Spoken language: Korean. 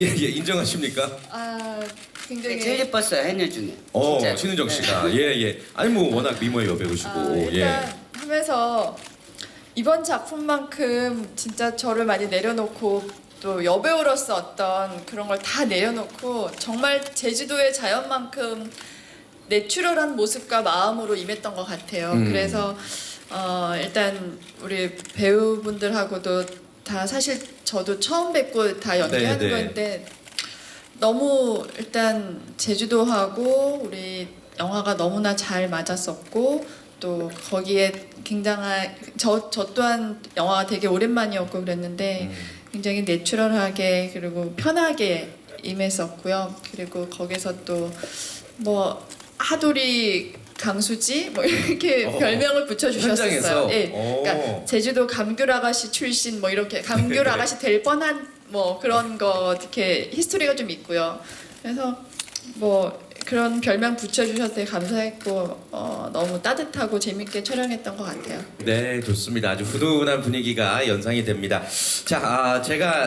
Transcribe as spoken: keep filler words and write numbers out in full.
예, 예, 인정하십니까? 아 굉장히 제일 예뻤어요 해녀 중에. 어, 진짜로. 신은정 네. 씨가. 예, 예. 아니 뭐 워낙 미모의 여배우시고. 아, 예. 일단 하면서 이번 작품만큼 진짜 저를 많이 내려놓고 또 여배우로서 어떤 그런 걸 다 내려놓고 정말 제주도의 자연만큼 내추럴한 모습과 마음으로 임했던 것 같아요. 음. 그래서 어, 일단 우리 배우분들하고도 다 사실 저도 처음 뵙고 다 연기하는 네, 네. 건데 너무 일단 제주도하고 우리 영화가 너무나 잘 맞았었고 또 거기에 굉장한 저, 저 또한 영화가 되게 오랜만이었고 그랬는데 음. 굉장히 내추럴하게 그리고 편하게 임했었고요. 그리고 거기서 또 뭐 하도리 강수지 뭐 이렇게 어, 별명을 붙여주셨었어요. 현장에서? 예, 오. 그러니까 제주도 감귤 아가씨 출신 뭐 이렇게 감귤 네. 아가씨 될 뻔한 뭐 그런 거 이렇게 히스토리가 좀 있고요. 그래서 뭐 그런 별명 붙여주셔서 되게 감사했고 어, 너무 따뜻하고 재밌게 촬영했던 것 같아요. 네, 좋습니다. 아주 훈훈한 분위기가 연상이 됩니다. 자, 아, 제가